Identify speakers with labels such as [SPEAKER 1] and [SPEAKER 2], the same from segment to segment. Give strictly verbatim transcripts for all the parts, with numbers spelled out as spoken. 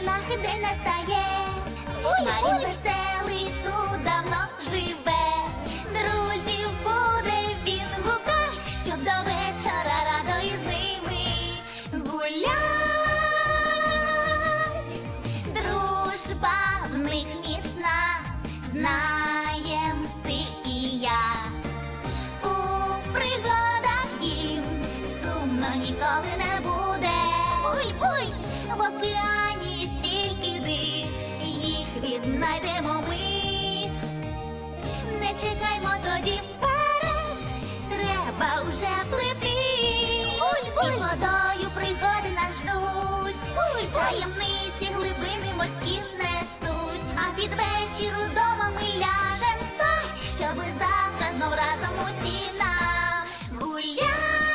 [SPEAKER 1] нахи день настає. Марін веселий тут давно живе. Друзів буде він гукать, щоб до вечора радо із ними гулять. Дружба в них міцна, знаєм ти і я. У пригадах їм сумно ніколи не буде. Ой, ой, в океані стільки див, їх віднайдемо ми. Не чекаймо тоді вперед, треба вже плити. Ой, ой, і водою пригоди нас ждуть. Ой, таємниці глибини морські несуть. А під вечір удома ми ляжем спать, щоби завтра знов разом усі нагулять.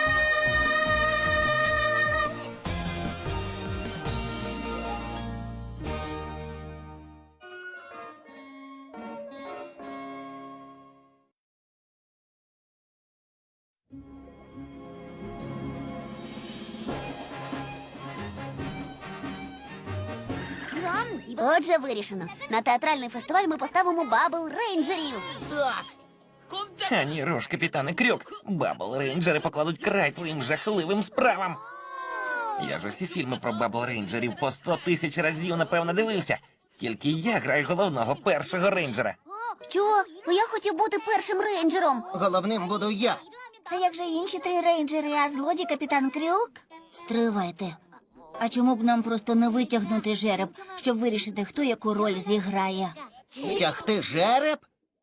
[SPEAKER 1] Отже, вирішено. На театральний фестиваль ми поставимо Бабл Рейнджерів.
[SPEAKER 2] Так.
[SPEAKER 3] Ані руш, капітане Крюк. Бабл Рейнджери покладуть край своїм жахливим справам. Я ж усі фільми про Бабл Рейнджерів по сто тисяч разів, напевно, дивився. Тільки я граю головного першого рейнджера.
[SPEAKER 1] Що? Я хотів бути першим рейнджером.
[SPEAKER 2] Головним буду я.
[SPEAKER 1] А як же інші три рейнджери, а злодій капітан Крюк?
[SPEAKER 4] Стривайте. А чому б нам просто не витягнути жереб, щоб вирішити, хто яку роль зіграє?
[SPEAKER 2] Тягти жереб?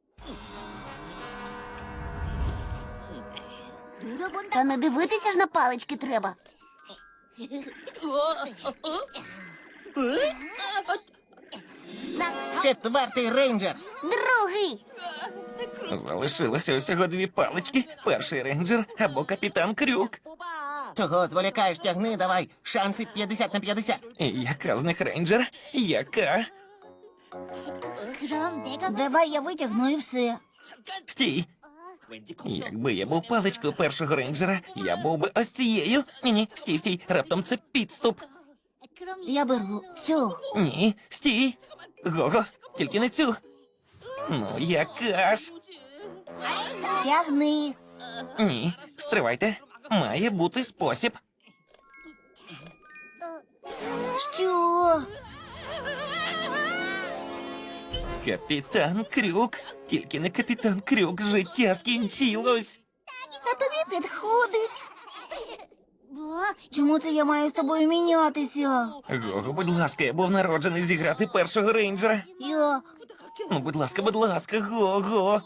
[SPEAKER 1] Та не дивитися ж на палички треба.
[SPEAKER 2] Четвертий рейнджер.
[SPEAKER 1] Другий.
[SPEAKER 3] Залишилося усього дві палички. Перший рейнджер або капітан Крюк.
[SPEAKER 2] Чого зволікаєш, тягни, давай. Шанси п'ятдесят на п'ятдесят.
[SPEAKER 3] І яка з них рейнджер? Яка?
[SPEAKER 4] Давай я витягну і все.
[SPEAKER 3] Стій. Якби я був паличкою першого рейнджера, я був би ось цією. Ні-ні, стій, стій, раптом це підступ.
[SPEAKER 4] Я беру цю.
[SPEAKER 3] Ні, стій. Гого, тільки не цю. Ну, яка ж?
[SPEAKER 4] Тягни.
[SPEAKER 3] Ні, стривайте. Має бути спосіб.
[SPEAKER 4] Що?
[SPEAKER 3] Капітан Крюк. Тільки не капітан Крюк, життя скінчилось.
[SPEAKER 4] А тобі підходить. Чому це я маю з тобою мінятися?
[SPEAKER 3] Гого, будь ласка, я був народжений зіграти першого рейнджера.
[SPEAKER 4] Я...
[SPEAKER 3] Ну, будь ласка, будь ласка, Гого.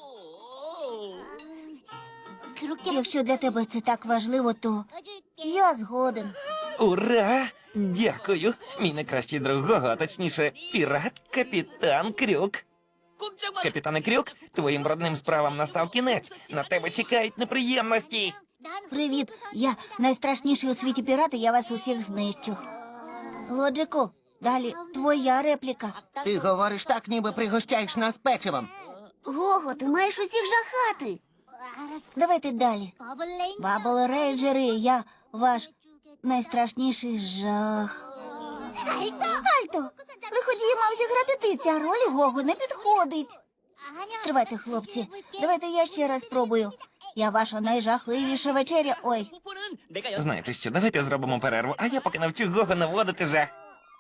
[SPEAKER 4] Якщо для тебе це так важливо, то я згоден.
[SPEAKER 3] Ура! Дякую. Мій найкращий друг Гого, а точніше, пірат Капітан Крюк. Капітане Крюк, твоїм брудним справам настав кінець. На тебе чекають неприємності.
[SPEAKER 4] Привіт, я найстрашніший у світі пірат, і я вас усіх знищу. Лоджику, далі твоя репліка.
[SPEAKER 2] Ти говориш так, ніби пригощаєш нас печивом.
[SPEAKER 1] Гого, ти маєш усіх жахати.
[SPEAKER 4] Давайте далі. Бабл Рейнджери, я ваш найстрашніший жах. Альто, лиходії мав зіграти ти, ця роль Гогу не підходить. Стривайте, хлопці, давайте я ще раз спробую. Я ваша найжахливіша вечеря. Ой,
[SPEAKER 3] Знаєте що, давайте зробимо перерву, а я поки навчу Гого наводити жах.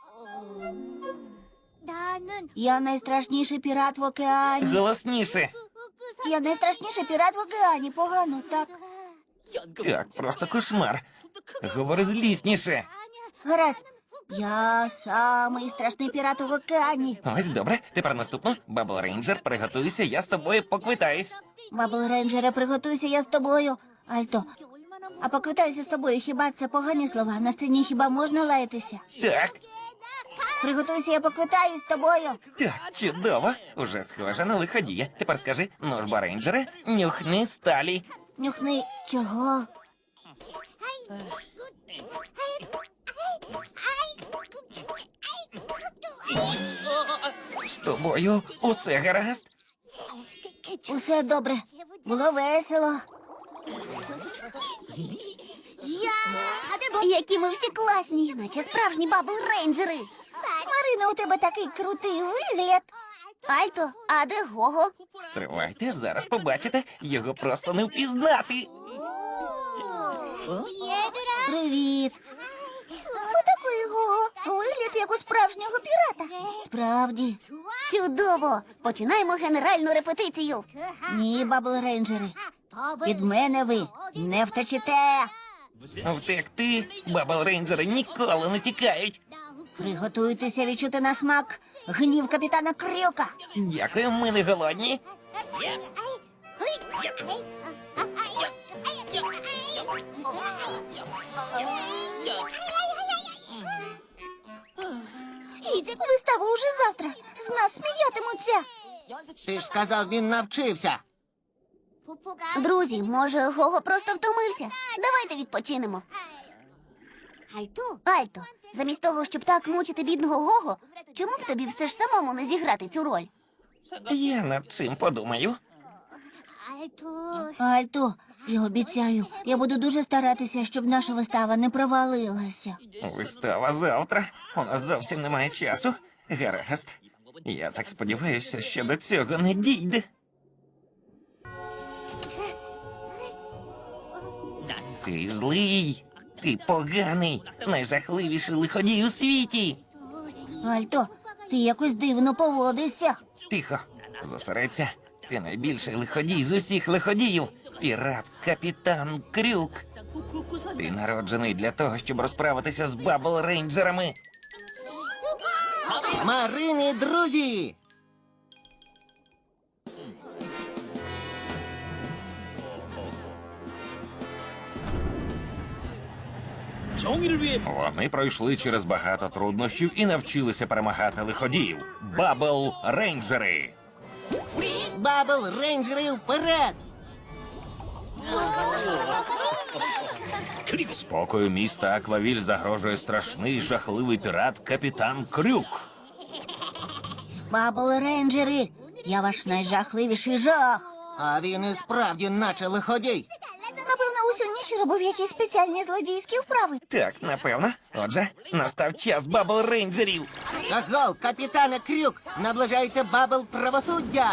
[SPEAKER 4] я найстрашніший пірат в океані.
[SPEAKER 3] Голосніше.
[SPEAKER 4] Я найстрашніший пірат в океані. Погано, так?
[SPEAKER 3] Так, просто кошмар. Говори злісніше.
[SPEAKER 4] Гаразд. Я самий страшний пірат в океані.
[SPEAKER 3] Ось добре. Тепер наступно. Бабл Рейнджер, приготуйся, я з тобою поквитаюсь.
[SPEAKER 4] Бабл Рейнджере, приготуйся я з тобою. Альто, а поквитаюся з тобою, хіба це погані слова? На сцені хіба можна лаятися?
[SPEAKER 3] Так,
[SPEAKER 4] Приготуйся, я поквитаюсь з тобою.
[SPEAKER 3] так, чудово. Уже схоже на лиходія. Тепер скажи, ну ж, ба, рейнджере, нюхни сталі.
[SPEAKER 4] Нюхни чого?
[SPEAKER 3] З тобою усе гаразд?
[SPEAKER 4] Усе добре. Було весело.
[SPEAKER 1] Які ми всі класні, наче справжні бабл рейнджери.
[SPEAKER 4] Марина, у тебе такий крутий вигляд. Альто, а де Гого?
[SPEAKER 3] Стривайте, зараз побачите, його просто не впізнати.
[SPEAKER 4] Привіт. Хто такий Гого? Вигляд як у справжнього пірата. Справді. Чудово. Починаємо генеральну репетицію. Ні, бабл рейнджери. Від мене ви не втечете.
[SPEAKER 3] Втекти, бабл рейнджери ніколи не тікають.
[SPEAKER 4] Приготуйтеся відчути на смак гнів капітана Крюка.
[SPEAKER 3] Дякую, ми не голодні.
[SPEAKER 4] Вистава уже завтра. З нас сміятимуться.
[SPEAKER 2] Ти ж сказав, він навчився.
[SPEAKER 4] Друзі, може, Гого просто втомився? Давайте відпочинемо. Альто, замість того, щоб так мучити бідного Гого, чому б тобі все ж самому не зіграти цю роль?
[SPEAKER 3] Я над цим подумаю.
[SPEAKER 4] Альто, я обіцяю, я буду дуже старатися, щоб наша вистава не провалилася.
[SPEAKER 3] Вистава завтра. У нас зовсім немає часу. Гаразд. Я так сподіваюся, що до цього не дійде. Ти злий, ти поганий, найжахливіший лиходій у світі.
[SPEAKER 4] Альто, ти якось дивно поводишся.
[SPEAKER 3] Тихо, зосередься. Ти найбільший лиходій з усіх лиходіїв. Пірат капітан Крюк. Ти народжений для того, щоб розправитися з бабл рейнджерами.
[SPEAKER 2] Марини, друзі!
[SPEAKER 3] Вони пройшли через багато труднощів і навчилися перемагати лиходіїв. Бабл рейнджери.
[SPEAKER 2] Бабл рейнджери вперед!
[SPEAKER 3] Спокою міста Аквавіль загрожує страшний жахливий пірат капітан Крюк.
[SPEAKER 4] Бабл рейнджери, я ваш найжахливіший жах.
[SPEAKER 2] А він і справді наче лиходій.
[SPEAKER 4] Напевно, усю ніч робив якісь спеціальні злодійські вправи.
[SPEAKER 3] Так, напевно. Отже, настав час бабл рейнджерів.
[SPEAKER 2] Аго, капітане Крюк! Наближається бабл правосуддя!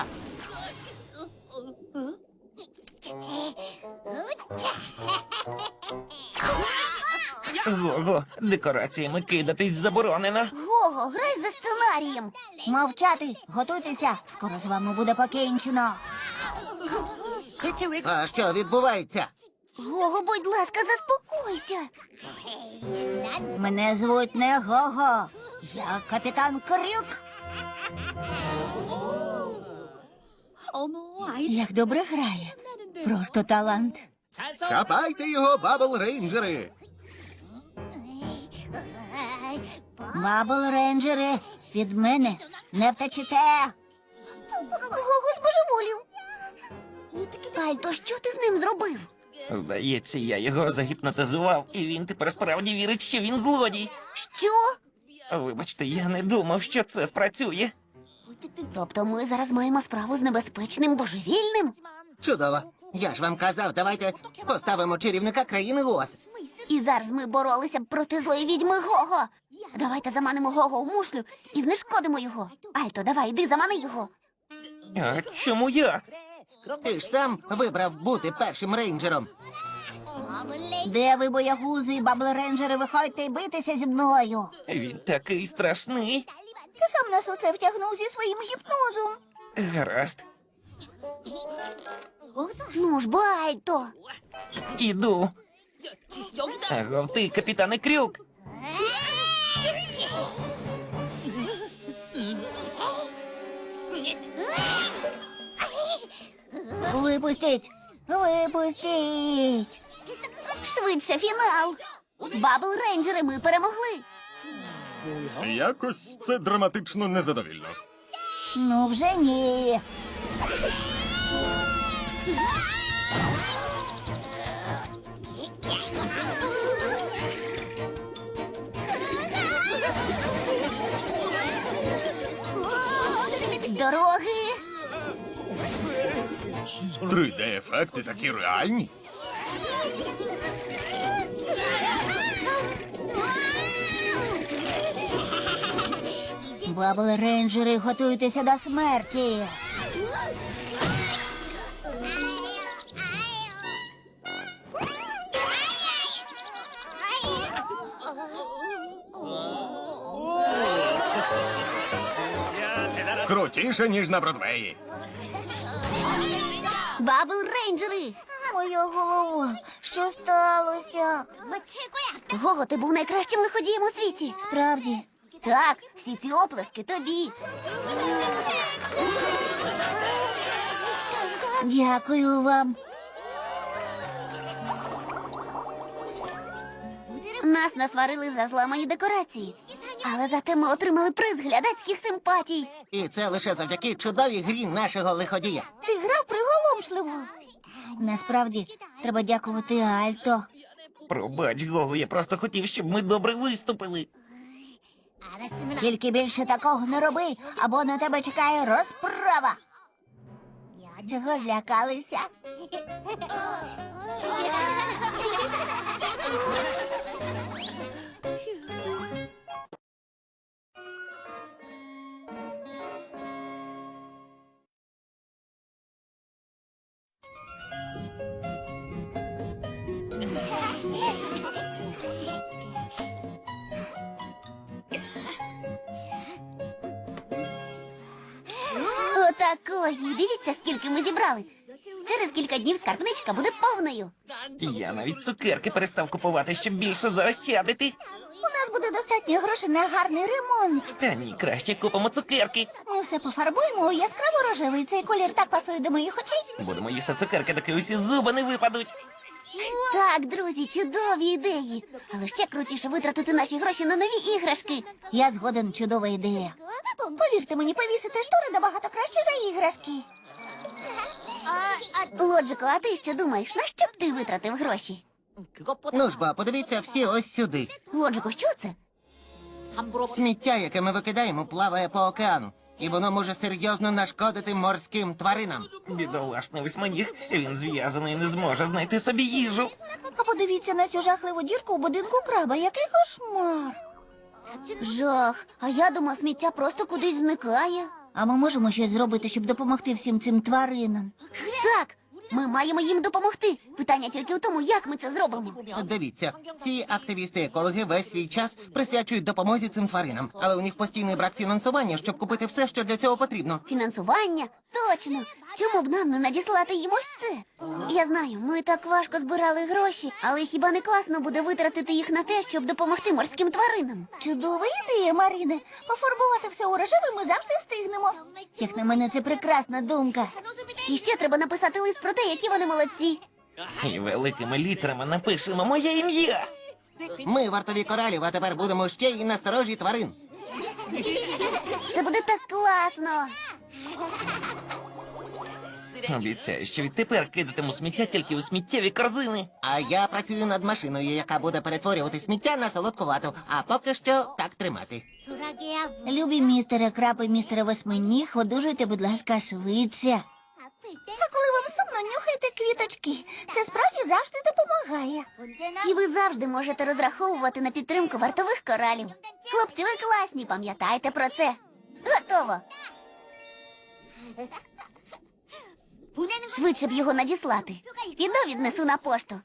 [SPEAKER 3] Го-го, декораціями кидатись заборонено.
[SPEAKER 4] Гого, грай за сценарієм. Мовчати, готуйтеся. Скоро з вами буде покінчено.
[SPEAKER 2] А що відбувається?
[SPEAKER 4] Гого, будь ласка, заспокойся. Мене звуть не Гого. Я капітан Крюк. Як добре грає. Просто талант.
[SPEAKER 2] Хапайте його, бабл рейнджери!
[SPEAKER 4] Бабл рейнджери, від мене не втечете. Гого збожеволів. Альто, що ти з ним зробив?
[SPEAKER 3] Здається, я його загіпнотизував, і він тепер справді вірить, що він злодій.
[SPEAKER 4] Що?
[SPEAKER 3] Вибачте, я не думав, що це спрацює.
[SPEAKER 4] Тобто ми зараз маємо справу з небезпечним божевільним?
[SPEAKER 2] Чудово! Я ж вам казав, давайте поставимо чарівника країни Оз.
[SPEAKER 4] І зараз ми боролися б проти злої відьми Гого. Давайте заманимо Гого в мушлю і знешкодимо його. Альто, давай, йди, замани його.
[SPEAKER 3] А чому я?
[SPEAKER 2] Ти ж сам вибрав бути першим рейнджером.
[SPEAKER 4] Де ви, боягузи і бабл-рейнджери, виходьте і битися зі мною.
[SPEAKER 3] Він такий страшний.
[SPEAKER 4] Ти сам нас у це втягнув зі своїм гіпнозом.
[SPEAKER 3] Гаразд,
[SPEAKER 4] Ну ж, бо, Альто.
[SPEAKER 3] іду. Агов ти, капітане Крюк.
[SPEAKER 4] Випустіть! Випустіть! Швидше фінал! Бабл-рейнджери, ми перемогли!
[SPEAKER 5] Якось це драматично незадовільно.
[SPEAKER 4] Ну вже ні. З дороги!
[SPEAKER 5] три де-ефекти такі реальні.
[SPEAKER 4] Бабл рейнджери, готуйтеся до смерті.
[SPEAKER 5] Крутіше, ніж на Бродвеї.
[SPEAKER 4] Бабл рейнджери! Моя голова, що сталося? Гого, ти був найкращим лиходієм у світі. Справді. Так, всі ці оплески тобі. Дякую вам. Нас насварили за зламані декорації. Але зате ми отримали приз глядацьких симпатій.
[SPEAKER 2] І це лише завдяки чудовій грі нашого лиходія.
[SPEAKER 4] Ти грав приголомшливо. Насправді, треба дякувати Альто.
[SPEAKER 3] Пробач, Гого, я просто хотів, щоб ми добре виступили.
[SPEAKER 4] Тільки більше такого не роби, або на тебе чекає розправа. Чого злякалися? Отакої. Дивіться, скільки ми зібрали. Через кілька днів скарбничка буде повною.
[SPEAKER 3] Я навіть цукерки перестав купувати, щоб більше заощадити.
[SPEAKER 4] У нас буде достатньо грошей на гарний ремонт.
[SPEAKER 3] Та ні, краще купимо цукерки.
[SPEAKER 4] Ми все пофарбуємо у яскраво рожевий. Цей колір так пасує до моїх очей.
[SPEAKER 3] Будемо їсти цукерки, доки усі зуби не випадуть.
[SPEAKER 4] Так, друзі, чудові ідеї. Але ще крутіше витратити наші гроші на нові іграшки. Я згоден, чудова ідея. Повірте мені, повісити штори набагато краще за іграшки. Лоджико, а ти що думаєш, на що б ти витратив гроші?
[SPEAKER 2] Ну ж бо, подивіться всі ось сюди.
[SPEAKER 4] Лоджико, що це?
[SPEAKER 2] Сміття, яке ми викидаємо, плаває по океану. І воно може серйозно нашкодити морським тваринам.
[SPEAKER 3] Бідолашний восьминіг, він зв'язаний і не зможе знайти собі їжу.
[SPEAKER 4] А подивіться на цю жахливу дірку у будинку краба. Який кошмар. Жах. А я думав, сміття просто кудись зникає. А ми можемо щось зробити, щоб допомогти всім цим тваринам? Так, ми маємо їм допомогти. Питання тільки в тому, як ми це зробимо.
[SPEAKER 2] Дивіться, ці активісти-екологи весь свій час присвячують допомозі цим тваринам. Але у них постійний брак фінансування, щоб купити все, що для цього потрібно.
[SPEAKER 4] Фінансування? Точно. Чому б нам не надіслати їм ось це? Я знаю, ми так важко збирали гроші, але хіба не класно буде витратити їх на те, щоб допомогти морським тваринам? Чудова ідея, Марине. Пофарбувати все у рожевий ми завжди встигнемо. Як на мене, це прекрасна думка. І ще треба написати лист про те, які вони молодці.
[SPEAKER 3] І великими літерами напишемо моє ім'я.
[SPEAKER 2] Ми вартові коралів, а тепер будемо ще й насторожі тварин.
[SPEAKER 4] Це буде так класно.
[SPEAKER 3] Обіцяю, що відтепер кидатиму сміття тільки у сміттєві корзини.
[SPEAKER 2] А я працюю над машиною, яка буде перетворювати сміття на солодку вату. А поки що так тримати.
[SPEAKER 4] Любі містере Краб і містере Восьминіг, одужуйте, будь ласка, швидше. А коли вам сумно, нюхайте квіточки. Це справді завжди допомагає. І ви завжди можете розраховувати на підтримку вартових коралів. Хлопці, ви класні, пам'ятайте про це. Готово. Швидше б його надіслати. Піду віднесу на пошту.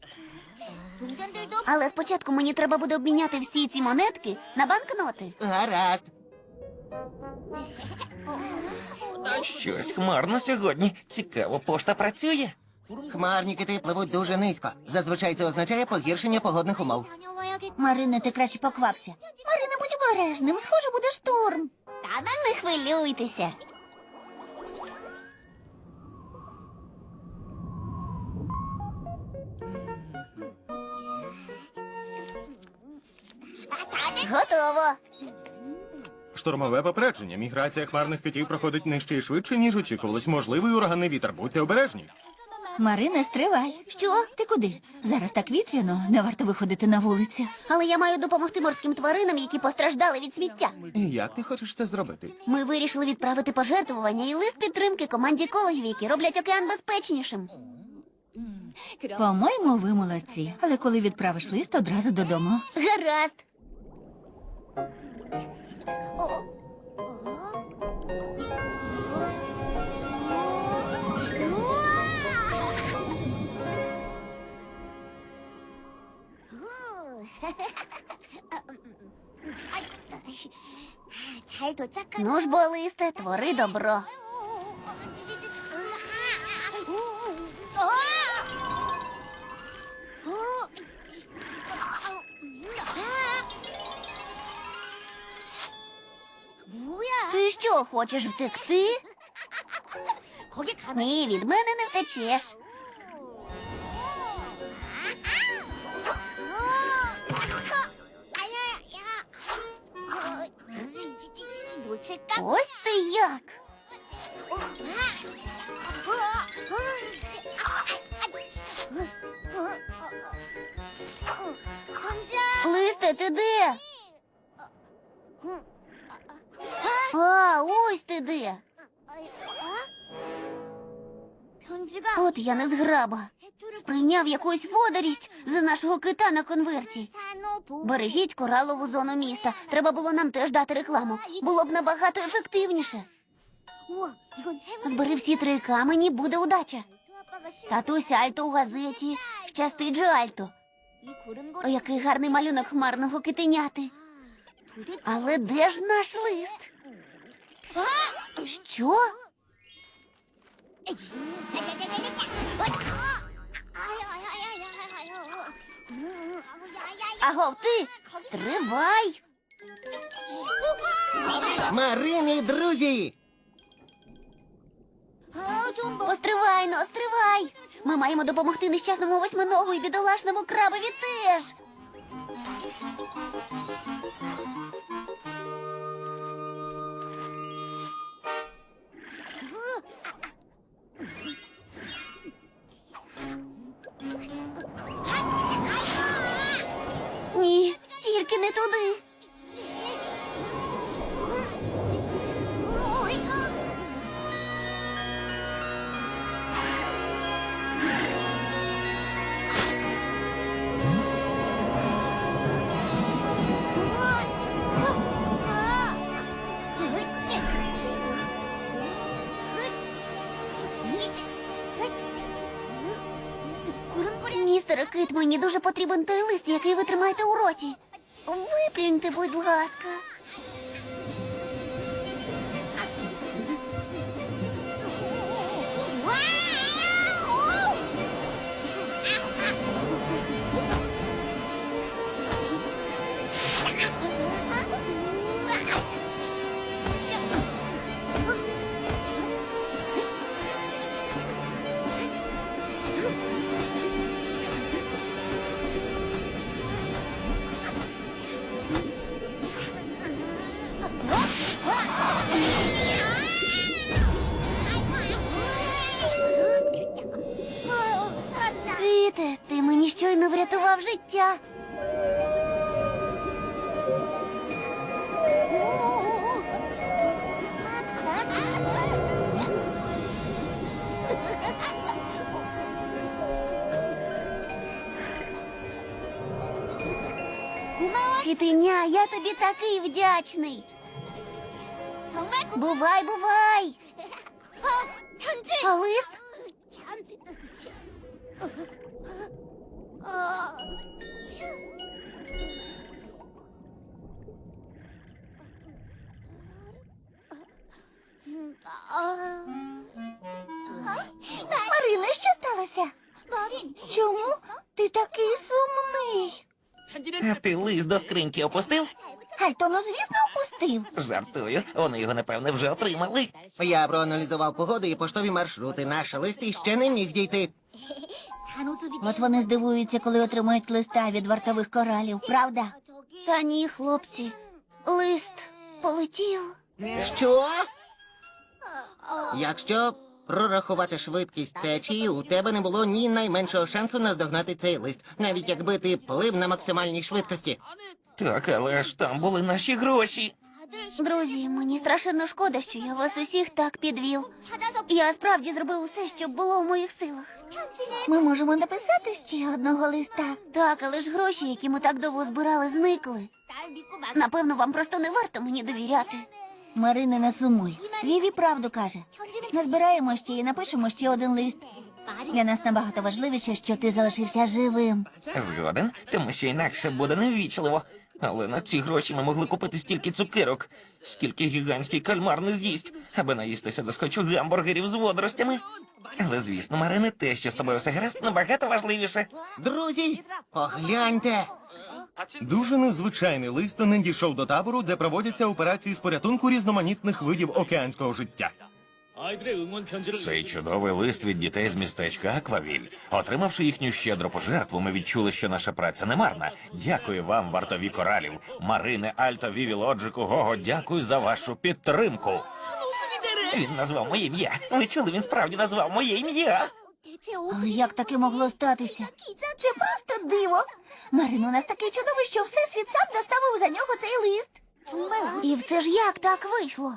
[SPEAKER 4] Але спочатку мені треба буде обміняти всі ці монетки на банкноти.
[SPEAKER 2] Гаразд.
[SPEAKER 3] Щось хмарно сьогодні. Цікаво, пошта працює?
[SPEAKER 2] Хмарні кити пливуть дуже низько. Зазвичай це означає погіршення погодних умов.
[SPEAKER 4] Марине, ти краще поквапся. Марине, будь обережним, схоже, буде шторм. Не хвилюйтеся. Готово.
[SPEAKER 5] Штормове попередження. Міграція хмарних китів проходить нижче і швидше, ніж очікувалось. Можливий ураганний вітер. Будьте обережні.
[SPEAKER 4] Марине, стривай. Що? Ти куди? Зараз так вітряно, не варто виходити на вулицю. Але я маю допомогти морським тваринам, які постраждали від сміття.
[SPEAKER 5] І як ти хочеш це зробити?
[SPEAKER 4] Ми вирішили відправити пожертвування і лист підтримки команді екологів, які роблять океан безпечнішим.
[SPEAKER 6] По-моєму, ви молодці. Але коли відправиш лист, одразу додому.
[SPEAKER 4] Гаразд.
[SPEAKER 1] 잘 도착한.
[SPEAKER 4] Ну ж бо, листе, твори добро.
[SPEAKER 1] 뭐야?
[SPEAKER 4] Ти що, хочеш втекти?
[SPEAKER 1] 거기 가면
[SPEAKER 4] Ні, від мене не втечеш.
[SPEAKER 1] 놓칠까?
[SPEAKER 4] Ось ти як.
[SPEAKER 1] 현지야.
[SPEAKER 4] Листе, ти де? А, ось ти де.
[SPEAKER 1] 현지가
[SPEAKER 4] От я не зграба. Сприйняв якусь водорість за нашого кита на конверті.
[SPEAKER 1] 산호
[SPEAKER 4] Бережіть коралову зону міста. Треба було нам теж дати рекламу. Було б набагато ефективніше.
[SPEAKER 1] 우와, 이건 행운.
[SPEAKER 4] Збери всі три камені, буде удача.
[SPEAKER 1] 아빠가 신.
[SPEAKER 4] Татусь Альто у газеті. Щастить же Альто.
[SPEAKER 1] 이
[SPEAKER 4] О,
[SPEAKER 1] 구름거리.
[SPEAKER 4] який гарний малюнок хмарного китеняти.
[SPEAKER 1] 도대체.
[SPEAKER 4] Але де ж наш лист? Що? Агов ти, стривай!
[SPEAKER 2] Марини, друзі!
[SPEAKER 4] Постривай, но стривай! Ми маємо допомогти нещасному восьминогу і бідолашному крабові теж. Ні, тільки не туди. Містере Кит, мені дуже потрібен той лист, який ви тримаєте у роті. Виплюньте, будь ласка. Ките, ти мені щойно врятував життя. Китеня, я тобі такий вдячний.
[SPEAKER 1] 정말 고.
[SPEAKER 4] Бувай, бувай.
[SPEAKER 1] 어, 현지.
[SPEAKER 4] А лист?
[SPEAKER 1] 참. 어.
[SPEAKER 4] Марина, що сталося?
[SPEAKER 1] 마린.
[SPEAKER 4] Чому ти такий сумний?
[SPEAKER 3] А ти лист до скриньки опустив?
[SPEAKER 4] Альто, ну звісно, опустив.
[SPEAKER 3] Жартую, вони його, напевне, вже отримали.
[SPEAKER 2] Я проаналізував погоду і поштові маршрути. Наш лист іще не міг дійти.
[SPEAKER 1] 산호수비.
[SPEAKER 4] От вони здивуються, коли отримають листа від вартових коралів, правда? Та ні, хлопці. Лист полетів.
[SPEAKER 2] Що? Якщо прорахувати швидкість течії, у тебе не було ні найменшого шансу наздогнати цей лист, навіть якби ти плив на максимальній швидкості.
[SPEAKER 3] Так, але ж там були наші гроші.
[SPEAKER 4] Друзі, мені страшенно шкода, що я вас усіх так підвів. Я справді зробив усе, що було в моїх силах. Ми можемо написати ще одного листа. Так, але ж гроші, які ми так довго збирали, зникли.
[SPEAKER 1] 날 믿고 막.
[SPEAKER 4] Напевно, вам просто не варто мені довіряти. Марине, не сумуй. Віві правду каже. Назбираємо ще і напишемо ще один лист. Для нас набагато важливіше, що ти залишився живим.
[SPEAKER 3] Згоден, тому що інакше буде невічливо. Але на ці гроші ми могли купити стільки цукерок, скільки гігантський кальмар не з'їсть, аби наїстися до схочу гамбургерів з водоростями. Але, звісно, Марине, те, що з тобою все гаразд, набагато важливіше.
[SPEAKER 2] Друзі, погляньте.
[SPEAKER 5] Дуже незвичайний лист надійшов до табору, де проводяться операції з порятунку різноманітних видів океанського життя.
[SPEAKER 7] 아이들의 응원 편지를
[SPEAKER 3] Цей чудовий лист від дітей з містечка Аквавіль. Отримавши їхню щедру пожертву, ми відчули, що наша праця не марна. Дякую вам, вартові коралів. Марине, Альто, Віві, Лоджику, Гого, дякую за вашу підтримку. Він назвав моє ім'я. Ви чули, він справді назвав моє ім'я.
[SPEAKER 4] Але як таке могло статися? Це просто диво. Марин, у нас такий чудовий, що всесвіт сам доставив за нього цей лист. І все ж як так вийшло?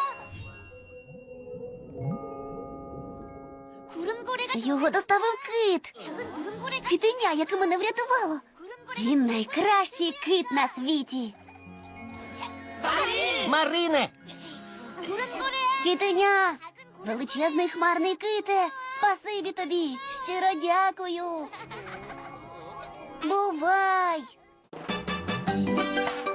[SPEAKER 4] Його доставив кит. Китеня, яке мене врятувало. Він найкращий кит на світі.
[SPEAKER 2] Марине!
[SPEAKER 4] Китеня! Величезний хмарний ките! Спасибі тобі! Щиро дякую! Бувай!